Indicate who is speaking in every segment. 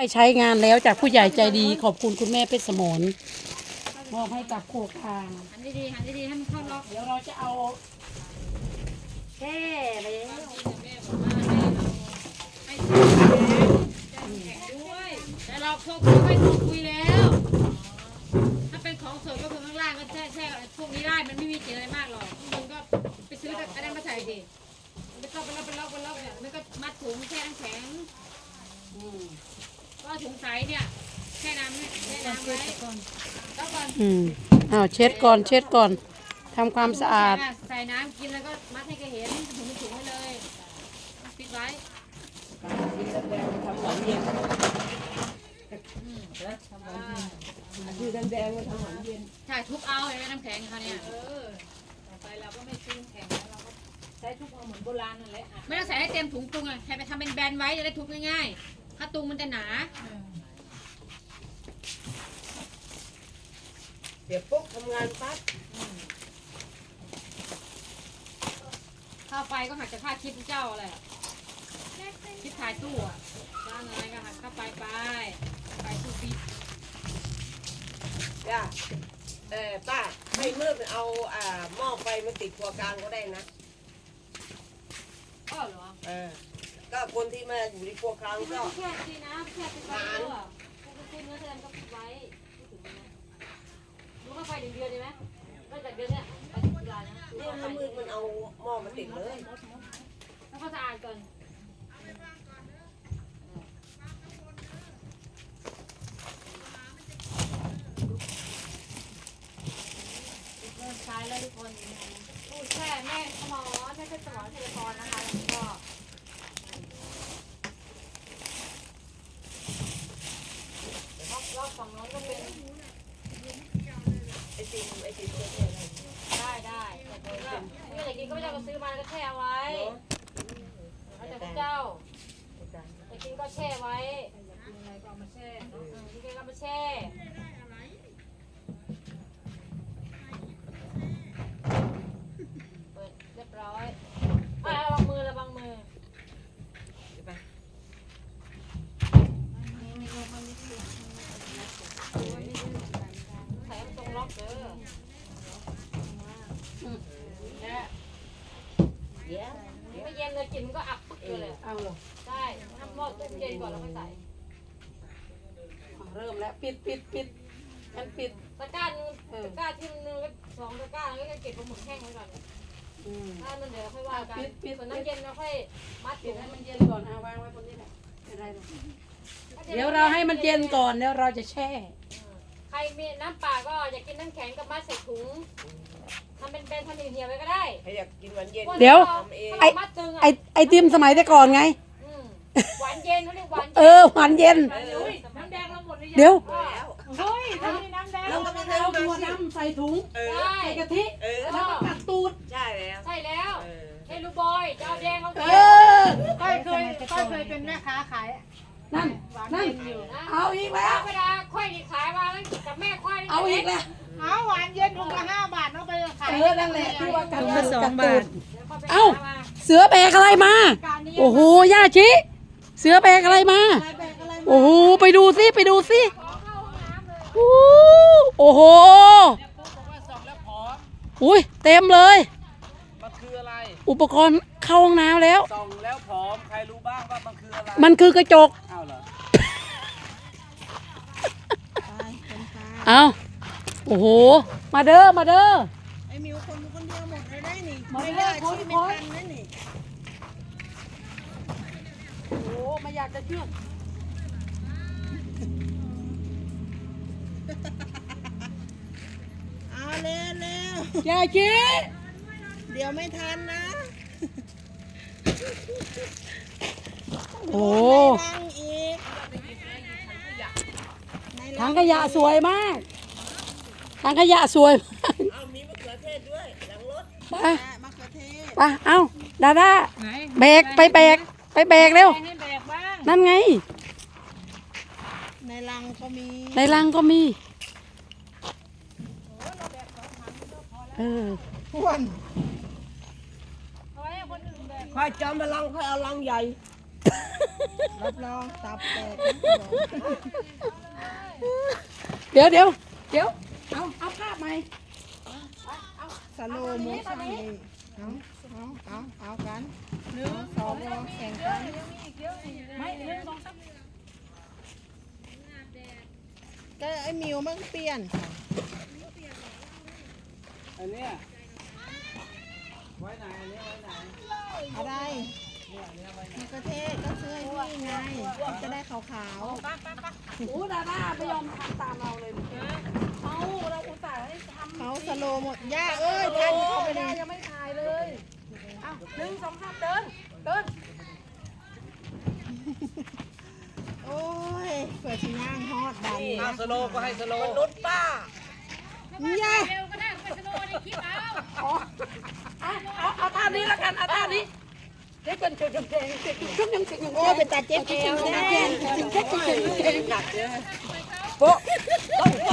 Speaker 1: ใช้งานแล้วจากผู้ใหญ่ใจดีขอบคุณคุณแม่เพชรสมรมอบให้กับโคกคาง
Speaker 2: หันดีๆหันดีๆให้มันเข้าล็อก
Speaker 1: เดี๋ยวเราจะเอา
Speaker 2: แช่ไปแล้ว แต่เราพวกเขาไม่ถูกคุยแล้ว ถ้าเป็นของสดก็คือข้างล่างก็แช่พวกนี้ได้มันไม่มีกลิ่นอะไรมากหรอกข้างบนก็ไปซื้อแต่อันนั้นมาใส่ดิไม่ต้องเป็นล็อกเนี่ยไม่ก็มัดถุงแช่น้ำแข็งก็ถุงใสเนี่ยแช่น้ำไว้แล้วก่อน
Speaker 1: อ้าวเช็ดก่อนเช็ดก่อนทำความสะอาด
Speaker 2: ใส่น้ำกินแล้วก็มัดให้แกเห็นถุงไว้เลยปิดไว้
Speaker 3: คือแดงๆมาทำหวานเย็น
Speaker 2: ใช่ทุบเอาไอ้น้ำแข็งเขาเนี่ย
Speaker 3: ต่อไปเราก็ไม่ซื้อแข็งแล้วเราก็ใช้ทุกเอาเหมือนโบราณนั่นแหละ
Speaker 2: ไม่ต้องใส่ให้เต็มถุงตุงอ่ะใครไปทำเป็นแบนไว้จะได้ทุบง่ายๆถ้าตุงมันจะหนา
Speaker 3: เดี๋ยวปุ๊บทำงานปั๊บ
Speaker 2: ค่าไฟก็หักจากค่าคลิปเจ้าอะไรคลิปถ่ายตู้อ่ะจ้างอะไรก็หักค่าไฟไปตู้ฟิต
Speaker 3: จ้าป้าให้มืดเอาหม้อไฟมาติดครัวกลางก็ได้นะ
Speaker 2: ก็เหรอ
Speaker 3: ก็คนที่มาอยู่ในครัวกลางก็
Speaker 2: แค่ดีนะแค่ติดไฟตู้อ่ะคุณเนื้อแสดงก็ไว้รู้ค่าไฟเดือนดีไหมก็จากเดือนเนี้ยไปถึงตุลานะ
Speaker 3: เนี่ยถ้ามืดมันเอาหม้อมาติดเลย
Speaker 2: แล้วก็สะอาดก่อนเริ่มใช้แล้วทุกคนพูดแค่แม่สมอแม่สมอเทเลพรนะคะแล้วก็รอบฝั่งโน้นก็เป็น
Speaker 3: ไอติมตัวเนี่ย
Speaker 2: ได้แต่ก็ไม่อยากกินก็ไม่ต้องซื้อมาแล้วก็แช่ไว้แล้วแต่พระเจ้าอยากกินก็แช่ไว้กินอะไรก็เอามาแช่กินอะไรก็มาแช่เปิดเรียบร้อยระวังมือระวังมือใส่ตรงล็อกเด้อ ไม่เย็นเลยกินมันก็อับปึ๊กเลย
Speaker 1: เอาเหรอ
Speaker 2: ใช่ทำหม้อต้มเย็นก่อนแล้วค่อยใส่
Speaker 1: เริ่มแล้วปิดมันปิด
Speaker 2: ตะกร้านึงตะกร้าที่นึงก็2ตะกร้าแล้วก็เก็บปลาหมึกแห้งไว้ก่อนถ้ามันเดี๋ยวค่อยว่ากันส่วนน้ำเย็นเราค่อยมัด
Speaker 1: ปิ
Speaker 2: ถุ
Speaker 1: ด
Speaker 2: ง
Speaker 1: ให้มันเย็นก่อนเอาวางไว้บนนี้แหละไม่ได้หรอกเดี๋ยวเราให้มันเย็นก่อนแล้วเราจะแช่
Speaker 2: ใครมีน้ำเปล่าก็อยากกินน้ำแข็งก็มัดใส่ถุงทำเป็นทำเหี่ยวๆไว้ก็ได้
Speaker 3: ใครอยากกินหวานเย็น
Speaker 1: เดี๋ยว
Speaker 2: มัดตึง
Speaker 1: ไอติมสมัยแต่ก่อนไง
Speaker 2: หวานเย็นเขาเรียกหวาน
Speaker 1: หวานเย็น
Speaker 2: น้ำแดงเราหมดเลย
Speaker 1: เดี๋ยว
Speaker 3: แล้ว
Speaker 2: เฮ้ยทำน้ำแดง
Speaker 3: เราก็ไม่
Speaker 1: เอา
Speaker 3: ทำ
Speaker 1: ถั่ว
Speaker 3: มาสิ
Speaker 1: ดำใส่ถุง
Speaker 2: ได้
Speaker 1: ใส่กะทิ แล้วก็กัดตูด
Speaker 3: ใช่แล้ว
Speaker 2: ใช่แล้วเฮ้ยลูกบอยจะเอาแดงเอา
Speaker 1: เอ
Speaker 2: เขียว
Speaker 1: อ
Speaker 4: ก้อยเคยเป็นแม่ค้าขาย
Speaker 1: นั่น เอาอีกแล้ว
Speaker 2: เวลาค่อยขายมากับแม่ค่อย
Speaker 1: เอาอีกแล้ว
Speaker 4: เอาหวานเย็นถุงละ5 บาทเอาไปขาย
Speaker 1: นั่นแหละที่ว่ากัด
Speaker 4: ถุงละ2 บาท
Speaker 1: เอ้า เสือแบกอะไรมา โอ้โห ย่าชิ เสือแบกอะไรมา โอ้โห ไปดูสิโอ้โห อุ้ยเต็มเลย
Speaker 5: มันคืออะไร
Speaker 1: อุปกรณ์เข้าห้องน้ำแล้ว
Speaker 5: ส่องแล้วผอม ใครรู้บ้างว่ามันคืออะไร
Speaker 1: มันคือกระจก
Speaker 5: อ้าวเหรอ
Speaker 1: เอาโอ้โห มาเด้อ มาเด้อ
Speaker 4: ไอ้มิวคนเดียวหมดเลยได้นี่
Speaker 1: มา
Speaker 4: ไม่
Speaker 1: เด้
Speaker 4: ได้
Speaker 1: อ
Speaker 4: ชีไม่ทันนะนี่
Speaker 1: โอ้โหไม่อยากจะเชื่อ
Speaker 4: เอาเร็ว
Speaker 1: ย่าชิ
Speaker 4: เดี๋ยวไม่ทันนะ
Speaker 1: โอ้
Speaker 4: ตั้งอีก
Speaker 1: ถังขยะสวยมาก ถังขยะสวยมาก
Speaker 3: เอามีมะเขือเทศด้วยหลังรถ
Speaker 1: ไป
Speaker 4: มะเขือเทศ
Speaker 1: ไปเอาดาด้าแบกไปแบกเร็ว
Speaker 4: ให้แบกบ้าง
Speaker 1: นั่นไง
Speaker 4: ในรังก็มี
Speaker 1: ในรังก็มี
Speaker 4: อ้วน
Speaker 3: ค่อยจอมพลังค่อยเอาลังใหญ่
Speaker 4: รับรองตับแตก
Speaker 1: เดี๋ยวเอาภาพไหม
Speaker 4: สโลโมชั่นนี่เอากันหนึ่งสองแข่งกันก็ไอ้มิวมันเปลี่ยนค่ะ
Speaker 5: อันเนี้ยไว้ไหนอันนี้ไว้ไหน
Speaker 4: อะไรมะเขือเทศก็ซื้อให้พี่ไงจะได้ขาว
Speaker 1: โอ้ดาด้าไม่ยอมทำตามเราเลยเอาเราอุตส่าห์ให้ทำ
Speaker 4: ๆเขาสโลหมดย่าเอ้ยท่านเข้าไปเลย
Speaker 1: ยังไม่ถ่ายเลยเอา1 2 3เดิน
Speaker 4: โอ้ยเปิดที่ย่างฮอดดัน
Speaker 5: เอาสโลก็ให้สโล
Speaker 3: มนุษย์ป้า
Speaker 4: ย่า
Speaker 2: เร็วก็ได้ไปสโลว์ในคลิปเอา
Speaker 1: เอาท่านี้แล้วกันเอาท่านี้เด็กเป็นเก่งชุบยังเก่ง
Speaker 4: โอ้ยเป็นตาเจ็บแก้วแน่
Speaker 3: หนักเยอะโป๊ะต้องไป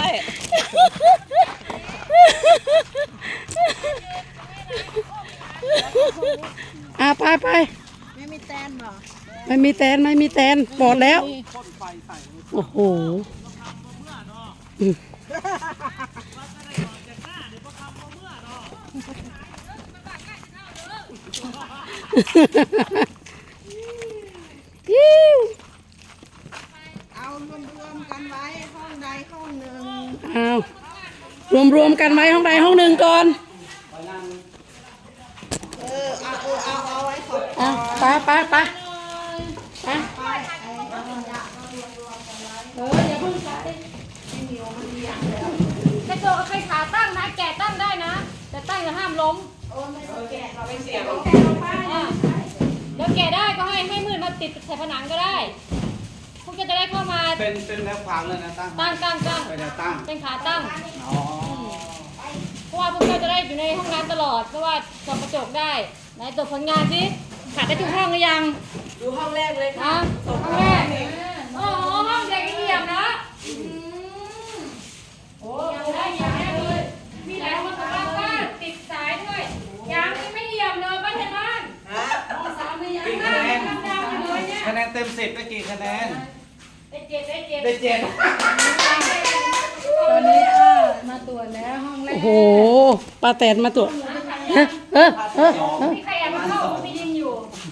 Speaker 1: ไป
Speaker 4: ไม่มีแตนบ่
Speaker 1: ไม่มีแตนปลอดแล้ว
Speaker 5: พ่นไฟใส่
Speaker 1: โอ้โหยิ้ว
Speaker 4: เอารวมๆกันไว้ห้องใดห้องหนึ่ง
Speaker 1: เอารวมกันไว้ห้องใดห้องหนึ่งก่อน
Speaker 4: เอาไว้ขอบ
Speaker 1: เอาไปอย่าเพิ่งใช้
Speaker 2: แค่ตัวใครขาตั้งนะแกะตั้งได้นะ แต่ตั้งอย่าห้ามล้ม
Speaker 3: ไม่เสียง
Speaker 2: เดี๋ยวแกะได้ก็ให้มืดมาติดใส่ผนังก็ได้ พวกแกจะได้เข้ามา
Speaker 5: เป็นแนวขวางเลยนะตั้ง
Speaker 2: ตั้ง
Speaker 5: ไปแนวตั้ง
Speaker 2: เป็นขาตั้ง
Speaker 5: อ๋อ
Speaker 2: เพราะว่าพวกแกจะได้อยู่ในห้องน้ำตลอด เพราะว่าส่องกระจกได้ ไหนตรวจผลงานสิขาดได้ทุกห้องหรือยัง
Speaker 3: ดูห้องแรกเลยค่ะ
Speaker 2: นะห้องแรกโอ้โหห้องเด็กเยี่ยมนะโอ้ยังได้เลย มีหลายห้องสำหรับบ้านติดสายด้วยยังไม่เยี่ยมเลยบ้านเห็นบ้านห้องสามไม่ยัง
Speaker 5: กี่
Speaker 2: บ้า
Speaker 5: คะแนน
Speaker 2: นดำๆอยู่เลยเนี่ย
Speaker 5: คะแนนเต็ม10ได้กี่คะแนน
Speaker 2: ได้เจ็ด
Speaker 5: ได้7
Speaker 1: ตอนนี้มาตรวจแล้วห้องแรกโอ้โหป้าแตนมาตรวจ
Speaker 2: มีใครแอบมาเข้าไปยิงอยู่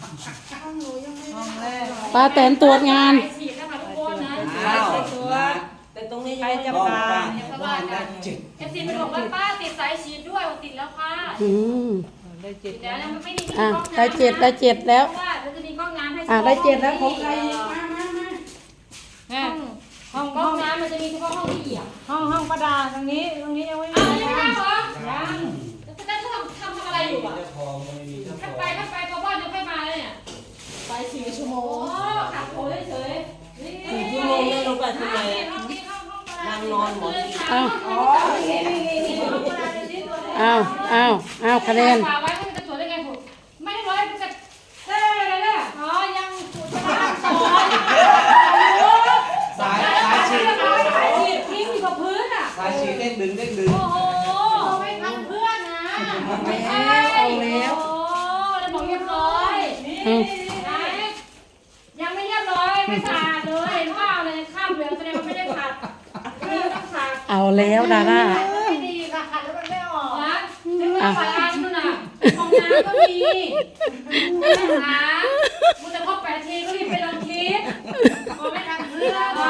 Speaker 1: ป้าแตนตรวจงาน
Speaker 2: ฉีดนะคะทุกคนนะ
Speaker 5: อ้าว
Speaker 3: แต่ตรงนี้ยังจะ
Speaker 5: บ้า
Speaker 3: ปา
Speaker 5: บ้านได้7
Speaker 2: เอฟซีเป็นบอกว่าป้าติดสายฉีดด้วยติดแล้วค่ะ
Speaker 1: อืม
Speaker 2: ติดแล้วนะมันไม่ดีที่
Speaker 1: อ่ะ
Speaker 2: กล้องน้ำ
Speaker 1: ได้เจ็ดแล้ว
Speaker 2: เพราะว่าเราจะมีกล้องน้ำให้
Speaker 1: ได้เจ็ดแล้วของใครมา
Speaker 2: ห้องกล้องน้ำมันจะมีเฉพาะห้องที่เหยียบ
Speaker 4: ห้องประดาตรงนี้ยังไม่มี
Speaker 2: อ้าวยังไม่ได้เหรอยังแล้วจะทำอะไรอยู่อ่ะถ้าไปพอบ้านจะค่อยมาเลยเนี่ย
Speaker 4: ไป4 ชั่วโม
Speaker 2: โอ้
Speaker 4: ง
Speaker 2: ขับโผล่เฉยๆนี่
Speaker 3: 4 ชั่วโมงเลยลงไปทำไม
Speaker 2: ห้องนี้ห้องประด
Speaker 3: นั่งนอนหมด
Speaker 1: เอา
Speaker 2: อ๋อนี่ห้องประดาเป็นชิ้นตัวแรก
Speaker 1: เอาคะแนน
Speaker 2: ฝาไว้มันจะตรวจได้ไงผมไม่ได้ร้อยมันจะอะไรเนี่ยอ๋อยังตรวจไม่ได้สอน
Speaker 5: สายฉีด
Speaker 2: ฉีดทิ้งอยู่กับพื้นอ่ะ
Speaker 5: สายฉีดเด้งดึง
Speaker 2: โอ้โหไม่ทันเพื่อนนะไม่ใช่เอาแล้วโอ้แล้วบอกเรียบร้อยนี่ไหนยังไม่เรียบร้อยไม่สะอาดเลยเห็นเปล่าเลยข้ามเหลืองแสดงว่าไม่ได้ขัดนี่ต้องขัด
Speaker 1: เอาแล้วดาด้า
Speaker 2: ไม่ดีค่ะขัดแล้วมันไม่ออกนะถึงว่าฝาอันนู่นน่ะห้องน้ำก็มีนะคะมึงจะครบ8 ทีก็รีบไปลงคลิปพอไม่ทันเพื่อน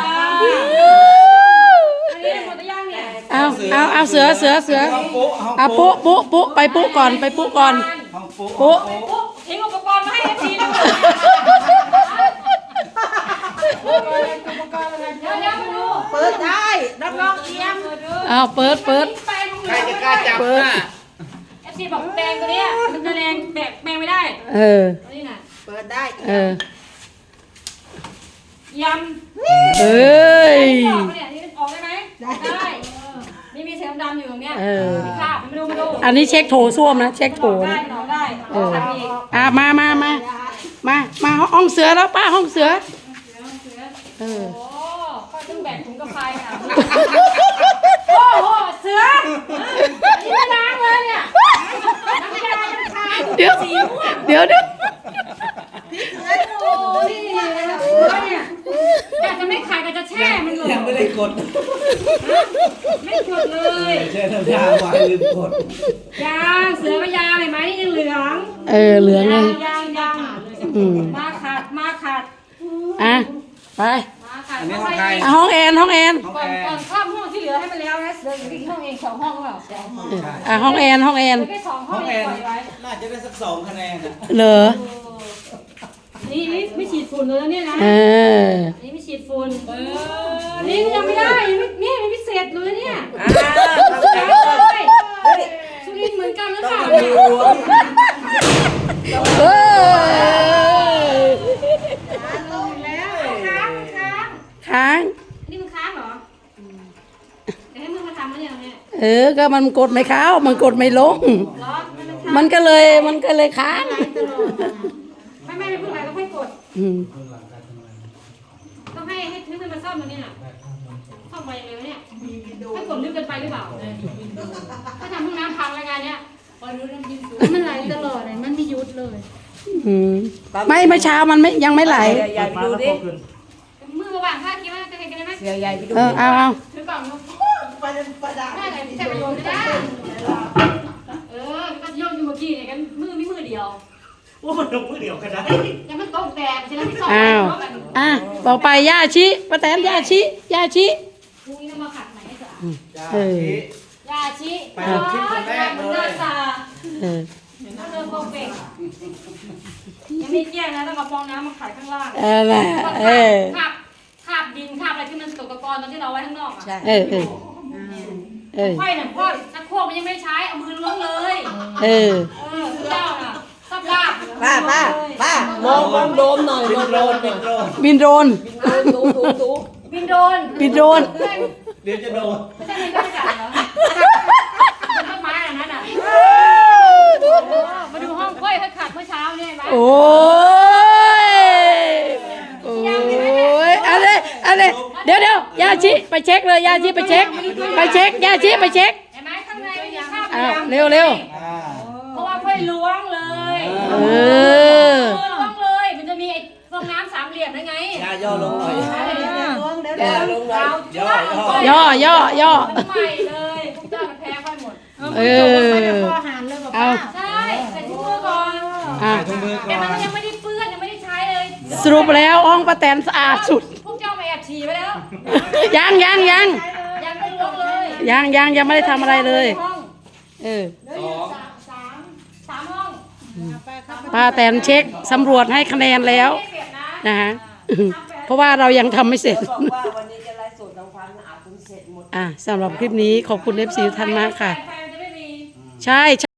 Speaker 2: อันนี้หมดหรือยังเนี่ย
Speaker 1: เอาเสือ
Speaker 5: ห้องปุ๊
Speaker 1: เอาปุ๊ไปปุ๊ก่อน
Speaker 5: ห้องปุ๊
Speaker 1: ปุ๊
Speaker 2: ปุ๊บทิ้งอุปกรณ์มาให้เอฟซีด้วยเดี๋ยวมาดู
Speaker 3: เปิดได้รับรองเอี่ยม
Speaker 1: เอาเปิด
Speaker 5: ใครจะกล้าจับน่ะ
Speaker 2: เอฟซีบอกแปลงตัวเนี้ยมันจะแรงแปลงไม่ได้
Speaker 1: เออ
Speaker 2: ตัวนี้น่ะ
Speaker 3: เปิดได้
Speaker 2: ย
Speaker 1: เอ้ย
Speaker 2: ำออกเนี่ยนี่ออกได้ไหมได้นี่มีเสียงดำอยู่ตรงเนี้ยมีคราบมาดู
Speaker 1: อันนี้เช็คโถส้วมนะเช็คโถ
Speaker 2: ได้
Speaker 1: นะ
Speaker 2: หนอได้
Speaker 1: มาห้องเสือแล้วป้าห้องเสือ
Speaker 2: โอ้ก็ต้องแบ่งถุงกาแฟอ่ะโอ้โหเสือนี่ไม่ล้างเลยเนี่ยน้ำยามันคาย
Speaker 1: เดี๋ยว
Speaker 2: โอ้นี่ช่มันหล
Speaker 5: ยังไม่ได้กด
Speaker 2: ไม่กดเลย
Speaker 5: แช่น้ำยาไว้ลืมกด
Speaker 2: ยาเสือก็ยาเห็นไหมนี่ยังเหลือง
Speaker 1: เหลืองเลย
Speaker 2: ยาง
Speaker 1: อืม
Speaker 2: มาขัด
Speaker 1: อ่ะไป
Speaker 2: มาขัด
Speaker 5: อันนี้ของใคร
Speaker 1: อ่ะห้องแอนห้องแอน
Speaker 5: ของ
Speaker 2: ก่อน
Speaker 5: แอ
Speaker 2: ก่อ
Speaker 5: ร์
Speaker 2: นข้ามห้องที่เหลือให้มันแล้วนะเสืออยู่ที่ห้องเองสองห้องหรือเปล่าสองห้อง
Speaker 1: อ่ะห้องแอนห้องแอน
Speaker 2: แค่สองห้
Speaker 5: ห้
Speaker 2: อ
Speaker 5: อง ง
Speaker 2: เอ
Speaker 5: แอง น
Speaker 2: ปล่อยไว้
Speaker 5: น่าจะได้สัก2 คะแนนอ่ะ
Speaker 1: เหรอ
Speaker 2: นี่ไม่ฉีดฝุ่นเลยนะเนี่ยนะ
Speaker 1: เออ
Speaker 2: นี่ไม่ฉีดฝุ่นนี่ยังไม่ได้ยังไม่นี่มันไม่เสร็จเลยเนี่ย
Speaker 3: เฮ้ย
Speaker 2: สุรินทร์เหมือนกันหรือเปล่า
Speaker 1: เฮ้ย
Speaker 2: ลงแล้วค้าง
Speaker 1: ค้าง
Speaker 2: นี่มันค้างเหรอเดี๋ยวให้มึงมาทำมันอย่างเนี้ย
Speaker 1: ก็มันกดไม่เข้ามันกดไม่ลง
Speaker 2: เหรอมันค้าง
Speaker 1: มันก็เลยค้าง
Speaker 2: ตลอดไม่เพิ่งไหลก็ค่อยกด
Speaker 1: อืม
Speaker 2: ต้องให้นึกมันมาซ่อมตรงนี้น่ะซ่อมไปเร็วเนี่ยให้กดลึกเกินไปหรือเปล่าถ้าทำห้องน้ำพังรายการเนี้ยมันไหลตลอดเลยมันไม่หยุดเลย
Speaker 1: อืมไม่เมื่อเช้ามันไม่ยังไม่ไหล
Speaker 3: เสือใหญ่ไปดูดิ
Speaker 2: มือวางผ้าคิดว่าจะกันได้ไหม
Speaker 3: เสือใหญ่ไปดู
Speaker 1: เอา
Speaker 2: ถือกล่องลูกได้ไงใช้ประโยชน์ไม่ได้ก็โยกอยู่เมื่อกี้เนี่ยกันมือไม่มือเดียว
Speaker 5: ว่ามันลงมือเดียวกันได้
Speaker 2: ยังมันตกแดดใช่ไหมที่สอง
Speaker 1: อ้าวอ่ะต่อไปย่าชิป้าแตนย่าชิ
Speaker 2: พรุ่งนี้ต้องมาขัดไหนให้สะอาด
Speaker 5: จ้า
Speaker 1: เออ
Speaker 5: ชี้
Speaker 2: ยาชิ
Speaker 5: ไปลงคลิปคนแรกเลย
Speaker 2: หน้าตา
Speaker 1: เออ
Speaker 2: ถ้าเดินโปรเฟกยังไม่เที่ยงนะต้องเอาฟองน้ำมาขัดข้างล่าง
Speaker 1: อะไรเออ
Speaker 2: ขับดินขับอะไรที่มันตกตะกอนตอนที่เราไว้ข้างนอกอ่ะ
Speaker 1: เออเออ
Speaker 2: ค่อยน่ะพ่อชักโครกมันยังไม่ใช้เอามือล้วงเลย
Speaker 1: เออ
Speaker 2: เจ้าน่ะซับลาบ
Speaker 3: มองโดมหน่อยมองโดม
Speaker 5: เป็นโดน
Speaker 1: บินโดรน
Speaker 3: ตู
Speaker 2: บินโดน
Speaker 1: บินโดรน
Speaker 5: เดี๋ยวจะโดน
Speaker 2: ไม่ใช่มันก็ไม่จัดเหรอเป็นต้นไม้อันนั้นอ่ะมาดูห้องค่อยขัดเมื่อเช้าเนี่ยไหม
Speaker 1: โอ้ยอะไรเดี๋ยวย่าชิไปเช็คเลยย่าชิไปเช็คย่าชิไปเช็ค
Speaker 2: เห็นไหมข้างในมันมีคราบ
Speaker 1: อ้าวเร็ว
Speaker 5: อ่า
Speaker 2: เพราะว่าค่อยล้วงเลย
Speaker 1: เออ
Speaker 2: ล้วงเลยมันจะมีไอ้ฟองน้ำสามเหลี่ยมได้ไง
Speaker 5: ย่อลงหน่อย
Speaker 3: ย่าลงหน่อย
Speaker 1: ย่อ
Speaker 2: มันใหม่เลยพวกเจ้ามันแพ้ค่อยหมด
Speaker 1: เออเอา
Speaker 2: ใช่ใส่ถุงมือก่อน
Speaker 1: อ่ะ
Speaker 5: ถุงมือ
Speaker 2: แต่
Speaker 5: ก่อ
Speaker 2: มัน
Speaker 5: น
Speaker 2: ยังไม่ได้เปื้อนยังไม่ได้ใช้เลย
Speaker 1: สรุปแล้วห้องป้าแตนสะอาดสุด
Speaker 2: พวกเจ้ามาแอบฉี่ไปแล้ว
Speaker 1: ยัง
Speaker 2: ยังไม่ล้วงเลย
Speaker 1: ยังไม่ได้ทำอะไรเลย
Speaker 2: ห้อง
Speaker 1: เออ
Speaker 2: สามห้อง
Speaker 1: ป้าแตนเช็คสำรวจให้คะแนนแล้ว
Speaker 2: ไม่เปลี่ยนนะ
Speaker 1: นะฮะเพราะว่าเรายังทำไม่เสร็จ
Speaker 3: บอกว่าวันนี้จะไลฟ์สดทำความสะอาดจนเสร็จหมด
Speaker 1: สำหรับคลิปนี้ขอบคุณเอฟซีท่านมากค่ะ
Speaker 2: ไฟมันจะไม่มี
Speaker 1: ใช่